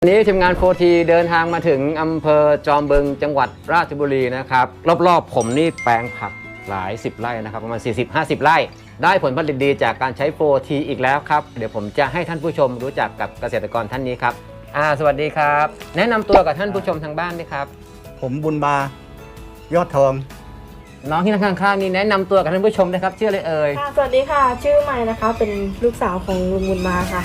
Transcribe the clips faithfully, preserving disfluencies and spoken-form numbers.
วันนี้ทีมงานโฟทีเดินทางมาถึงอำเภอจอมบึงจังหวัดราชบุรีนะครับรอบๆผมนี่แปลงผักหลายสิบไร่นะครับประมาณ สี่สิบห้าสิบ ไร่ได้ผลผลิตดีจากการใช้โฟทีอีกแล้วครับเดี๋ยวผมจะให้ท่านผู้ชมรู้จักกับเกษตรกรท่านนี้ครับอ่าสวัสดีครับแนะนำตัวกับท่านผู้ชมทางบ้านด้วยครับผมบุญมายอดทองน้องที่นั่งข้างๆนี่แนะนำตัวกับท่านผู้ชมนะครับชื่ออะไรเอ่ยค่ะสวัสดีค่ะชื่อใหม่นะคะเป็นลูกสาวของลุงบุญมาค่ะ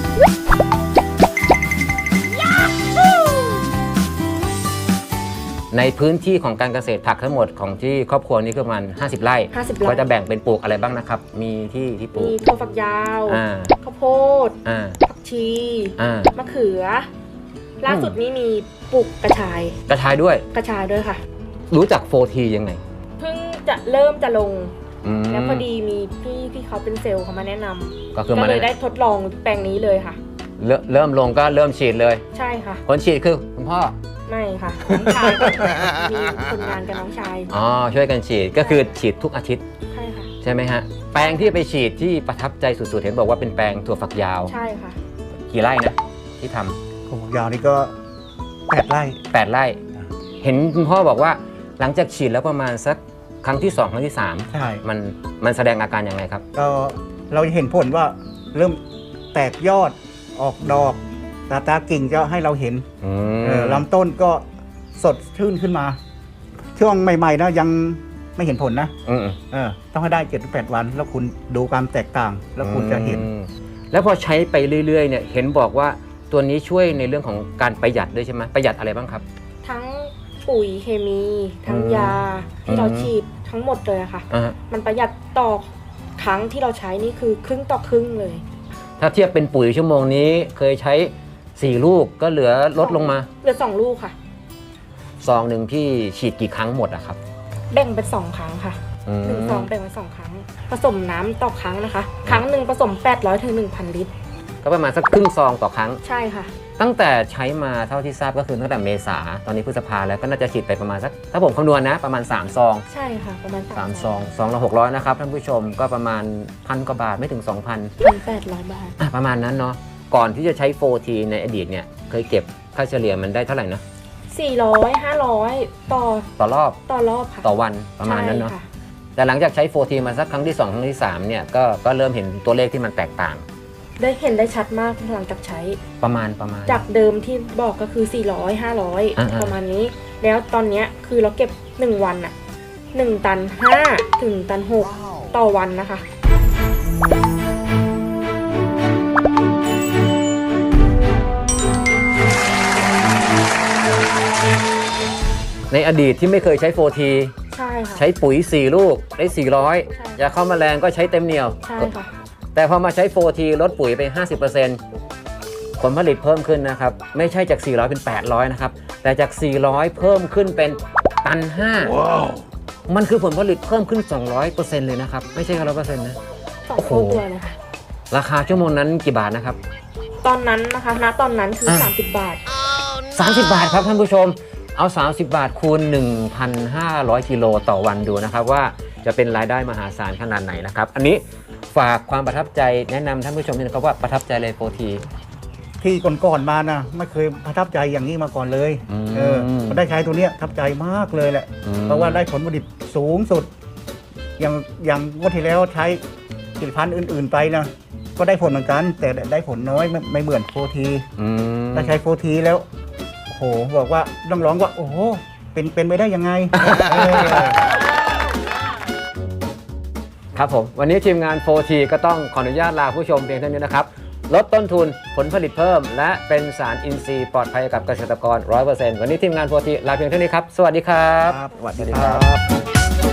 ในพื้นที่ของการเกษตรผักทั้งหมดของที่ครอบครัวนี้ก็ประมาณห้าสิบไร่ห้าสิบไร่ก็จะแบ่งเป็นปลูกอะไรบ้างนะครับมีที่ที่ปลูกมีถั่วฝักยาวข้าวโพดผักชีมะเขือล่าสุดนี้มีปลูกกระชายกระชายด้วยกระชายด้วยค่ะรู้จักโฟทียังไงเพิ่งจะเริ่มจะลงแล้วพอดีมีพี่ที่เขาเป็นเซลล์เขามาแนะนำก็คือมาเลยได้ทดลองแปลงนี้เลยค่ะเริ่มลงก็เริ่มฉีดเลยใช่ค่ะคนฉีดคือคุณพ่อไม่ค่ะน้องชายมีคนงานกับน้องชายอ๋อช่วยกันฉีดก็คือฉีดทุกอาทิตย์ใช่ค่ะใช่ไหมฮะแปลงที่ไปฉีดที่ประทับใจสุดๆเห็นบอกว่าเป็นแปลงถั่วฝักยาวใช่ค่ะกี่ไร่นะที่ทำถั่วฝักยาวนี่ก็แปดไร่แปดไร่เห็นคุณพ่อบอกว่าหลังจากฉีดแล้วประมาณสักครั้งที่สองครั้งที่สามใช่มันมันแสดงอาการยังไงครับก็เราเห็นผลว่าเริ่มแตกยอดออกดอกตาตากิ่งก็ให้เราเห็นลำต้นก็สดชื่นขึ้นมาช่วงใหม่ๆนะยังไม่เห็นผลนะเออต้องให้ได้เจ็ดถึงแปดวันแล้วคุณดูความแตกต่างแล้วคุณจะเห็นแล้วพอใช้ไปเรื่อยๆเนี่ยเห็นบอกว่าตัวนี้ช่วยในเรื่องของการประหยัดด้วยใช่ไหมประหยัดอะไรบ้างครับทั้งปุ๋ยเคมีทั้งยาที่เราฉีดทั้งหมดเลยค่ะมันประหยัดต่อครั้งที่เราใช้นี่คือครึ่งต่อครึ่งเลยถ้าเทียบเป็นปุ๋ยชั่วโมงนี้เคยใช้สี่ลูกก็เหลือลดลงมาเหลือสองลูกค่ะซองหนึ่งพี่ฉีดกี่ครั้งหมดอะครับแบ่งเป็นสองครั้งค่ะหนึ่งซองแบ่งเป็นสองครั้งผสมน้ำต่อครั้งนะคะครั้งหนึ่งผสมแปดร้อยถึงหนึ่งพันลิตรก็ประมาณสักครึ่งซองต่อครั้งใช่ค่ะตั้งแต่ใช้มาเท่าที่ทราบก็คือตั้งแต่เมษาตอนนี้พฤษภาแล้วก็น่าจะฉีดไปประมาณสักถ้าผมคำนวณนะประมาณสามซองใช่ค่ะประมาณสามซองซองละหกร้อยนะครับท่านผู้ชมก็ประมาณพันกว่าบาทไม่ถึง สองพันพันแปดร้อยบาทประมาณนั้นเนาะก่อนที่จะใช้โฟทีในอดีตเนี่ยเคยเก็บค่าเฉลี่ยมันได้เท่าไหร่นะสี่ร้อย ห้าร้อยต่อต่อรอบต่อรอบค่ะต่อวันประมาณนั้นเนาะแต่หลังจากใช้โฟทีมาสักครั้งที่สองครั้งที่สามเนี่ยก็ก็เริ่มเห็นตัวเลขที่มันแตกต่างได้เห็นได้ชัดมากหลังจากใช้ประมาณประมาณจากเดิมที่บอกก็คือสี่ร้อย ห้าร้อยประมาณนี้แล้วตอนนี้คือเราเก็บหนึ่งวันอะหนึ่งตันห้าถึงตันหกต่อวันนะคะในอดีตที่ไม่เคยใช้โฟทีใช่ค่ะใช้ปุ๋ยสี่ลูกได้สี่ร้อยยาฆ่าแมลงก็ใช้เต็มเหนียวใช่ค่ะแต่พอมาใช้โฟทีลดปุ๋ยไป ห้าสิบเปอร์เซ็นต์ ผลผลิตเพิ่มขึ้นนะครับไม่ใช่จากสี่ร้อยเป็นแปดร้อยนะครับแต่จากสี่ร้อยเพิ่มขึ้นเป็นตันห้า wow. มันคือผลผลิตเพิ่มขึ้น สองร้อยเปอร์เซ็นต์ เลยนะครับไม่ใช่แค่ ร้อยเปอร์เซ็นต์ นะโอ้โหเลยค่ะราคาชั่วโมงนั้นกี่บาทนะครับตอนนั้นนะคะณตอนนั้นคือสามสิบบาทสามสิบบาทครับท่านผู้ชมเอาสามสิบบาทคูณ หนึ่งพันห้าร้อย กิโลต่อวันดูนะครับว่าจะเป็นรายได้มหาศาลขนาดไหนนะครับอันนี้ฝากความประทับใจแนะนำท่านผู้ชมนะครับว่าประทับใจเลยโฟทีที่ก่อนๆมานะไม่เคยประทับใจอย่างนี้มาก่อนเลยเออพอได้ใช้ตัวเนี้ยประทับใจมากเลยแหละเพราะว่าได้ผลผลิตสูงสุดอย่างอย่างวันที่แล้วใช้ผลิตภัณฑ์อื่นๆไปนะก็ได้ผลเหมือนกันแต่ได้ผลน้อยไม่ไม่เหมือนโฟทีได้ใช้โฟทีแล้วโอ้โหบอกว่าต้องร้องว่าโอ้โหเป็นเป็นไปได้ยังไงครับผมวันนี้ทีมงาน โฟที ก็ต้องขออนุญาตลาผู้ชมเพียงเท่านี้นะครับลดต้นทุนผลผลิตเพิ่มและเป็นสารอินทรีย์ปลอดภัยกับเกษตรกร ร้อยเปอร์เซ็นต์ วันนี้ทีมงาน โฟที ลาเพียงเท่านี้ครับสวัสดีครับสวัสดีครับ